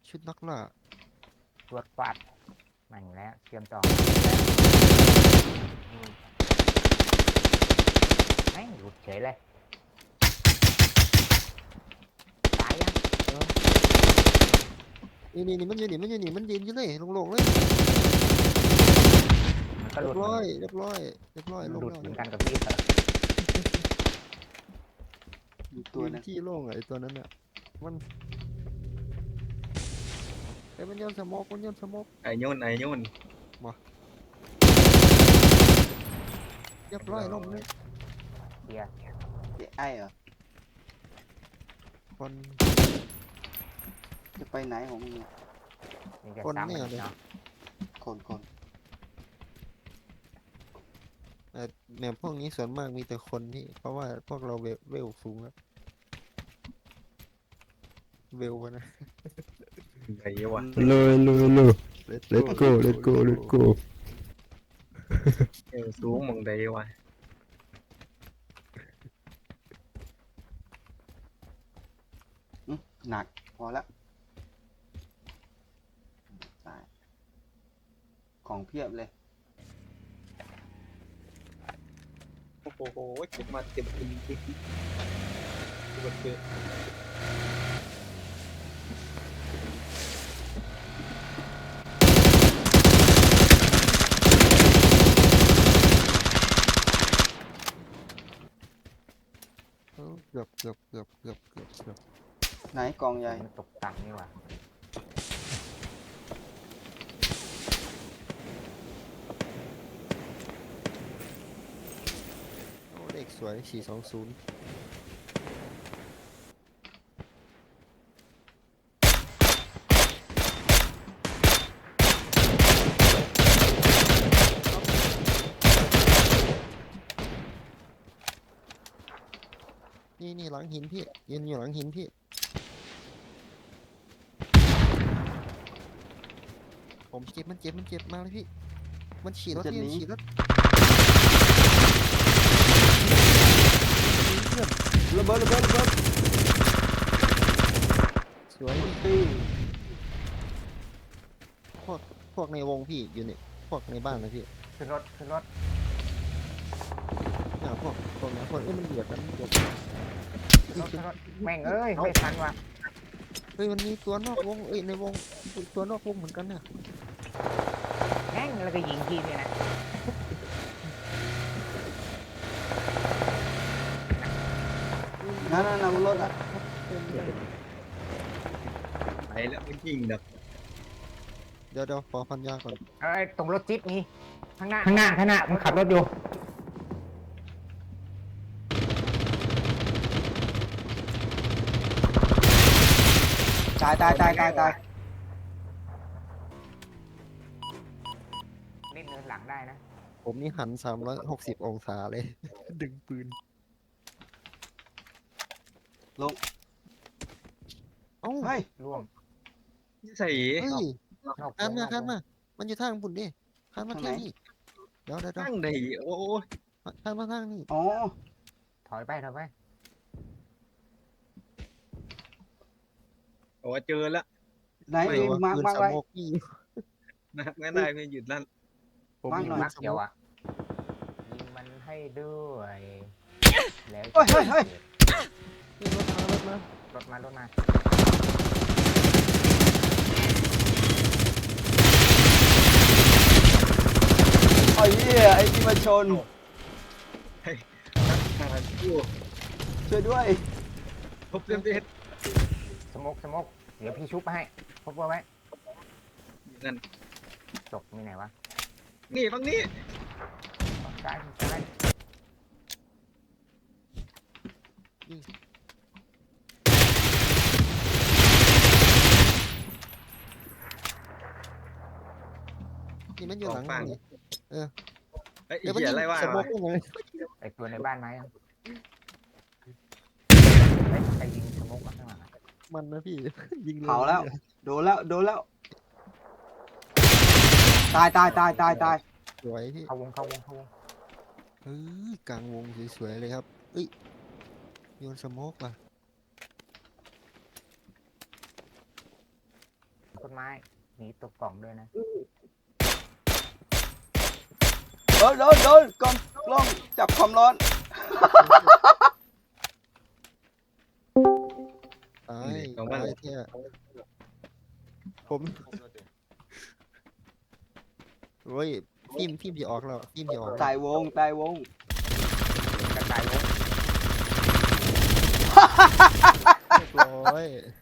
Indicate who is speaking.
Speaker 1: ชุดนักล่า
Speaker 2: ตรวจฟาดแม่งแล้วเตรียมจองแม่งหลุดเฉยเลยตายยัง
Speaker 1: นี่มันยืนอยู่เลยโล่งๆเลย
Speaker 2: มันก็ห
Speaker 1: เรี
Speaker 2: ลุ
Speaker 1: ย
Speaker 2: ด
Speaker 1: บร้อยลง
Speaker 2: หลุด
Speaker 1: แล้ว
Speaker 2: เหมือนกันกับพี่เหรอ
Speaker 3: มีตัวนึง
Speaker 1: ที่โล่งไอ้ตัวนั้นอ่ะมันมันโยนสโมก
Speaker 4: ไอ้โยน
Speaker 1: เรียบร้อยลงเลย
Speaker 2: เฮีย
Speaker 3: ไอ้เหรอ
Speaker 1: คน
Speaker 3: จะไปไหนของมึงเนี่ย
Speaker 2: นี่จะ
Speaker 1: คน
Speaker 2: ซ้ำ
Speaker 1: เนี่
Speaker 2: มัน
Speaker 1: ยเลย
Speaker 2: เนาะ
Speaker 3: คน
Speaker 1: แมวพวกนี้ส่วนมากมีแต่คนที่เพราะว่าพวกเราเวลสูงแล้วเวลวะนะ
Speaker 4: ไอ้วะ
Speaker 5: เลย let's go
Speaker 4: เอวสูงมองได้วะ
Speaker 3: หนักพอแล้วตายของเพียบเลย
Speaker 4: โอ้โหเก็บมาเก็บกินเก็บ
Speaker 1: เกือบ
Speaker 3: ไหนกองใหญ่
Speaker 2: มันตกต่ำนี่หว่า
Speaker 1: โอ้เลขสวย420นี่หลังหินพี่ยืนอยู่หลังหินพี่ผมเจ็บมันเจ็บมาเลยพี่มันฉี่รถ
Speaker 3: จะหนี
Speaker 1: ฉี่รถ
Speaker 3: ระเบิด
Speaker 1: สวย
Speaker 3: ตี
Speaker 1: พวกในวงพี่อยู่ในพวกในบ้านนะพี่
Speaker 2: ขึ้นรถ
Speaker 1: พวกนั้นมันเดือดกัน
Speaker 2: แม่งเอ้ยไม่ทันว่ะ
Speaker 1: เฮ้ยมันมีตัวนอกวงในวงตัวนอกวงเหมือนกันน่ะ
Speaker 2: แม่งแล้วก็ยิงพี่เนี่ยนะ
Speaker 3: นั่นบนรถอ่ะ
Speaker 4: ไปแล้วมันยิงดับ
Speaker 1: เดี๋ยวขอพันยาก่อน
Speaker 2: เอ้ยตรงรถจิ๊บนี่ข้างหน้ามันขับรถอยู่
Speaker 3: ตาย
Speaker 2: เล่นเนินหลังได้นะ
Speaker 1: ผมนี่หัน360องศาเลย ดึงปืน
Speaker 3: ลง
Speaker 1: เอ้า
Speaker 3: เฮ้ย
Speaker 2: ร่วง
Speaker 4: ใส่
Speaker 1: เฮ้ย
Speaker 2: นอก
Speaker 1: ข้ามมา
Speaker 2: วง
Speaker 1: มันอยู่ทางปุ่นดิข้ามมาทางนี้เดี๋ยว
Speaker 4: ตั้งได้โอ้ย
Speaker 1: ข้ามมาทางนี้
Speaker 3: อ๋อ
Speaker 2: ถอยไป
Speaker 4: โอ้เจอแล้ว
Speaker 3: ไหน
Speaker 1: ไม่ว่า
Speaker 3: มา
Speaker 1: ปืน
Speaker 3: มา
Speaker 1: ส
Speaker 3: ไว้
Speaker 1: โมกพี่
Speaker 4: นะงั้นได้ไม่หยุดลั่น
Speaker 1: ผม
Speaker 3: วาง
Speaker 1: มี
Speaker 3: หน่อย
Speaker 1: ปื
Speaker 2: มั
Speaker 1: น
Speaker 2: ก
Speaker 1: สโม
Speaker 2: เดียว
Speaker 1: ก
Speaker 2: อ่ะยิงมันให้ด้วยแล้ว
Speaker 3: เฮ้ย
Speaker 1: นี่รถมาร
Speaker 2: ถมา
Speaker 3: ไอ้เหี้ยไอ้ที่มาชน
Speaker 4: ทางคู่
Speaker 3: ช่วยด้วย
Speaker 4: พบเต็มเด็ด
Speaker 2: สมกเดี๋ยวพี่ชุบไปให้พบไว้
Speaker 4: นั่น
Speaker 2: ตกมีไหนวะ
Speaker 4: นี่ฝั่งนี้
Speaker 2: ซ้าย
Speaker 1: นี่มันอยู่หลังนี่
Speaker 4: เฮ้ย
Speaker 1: เดี๋ยวมัน
Speaker 4: เหี้ย
Speaker 1: ยิง
Speaker 4: อะไรวะ
Speaker 1: สโมกได้ไง
Speaker 2: ไอตัวในบ้านไหมใครยิงสมกมาข้างหลัง
Speaker 1: มันนะพี่ ยิงย
Speaker 3: เผาแล้ว โดนแล้ว ตาย
Speaker 1: สวยพี่
Speaker 2: เข้าวง
Speaker 1: กลางวงสวยๆเลยครับเอ้ยโยนสโมกว่ะ
Speaker 2: ต้นไม้หนีตกกล่องด้วยนะ
Speaker 3: โดนกล้องจับความร้อน
Speaker 1: ตายตายเที่ยผมโอ้ยฟิล์มที่ออกแล้วฟิล์มที่ออก
Speaker 3: ตายวง
Speaker 2: กระต่ายวง
Speaker 1: เรียบร้อย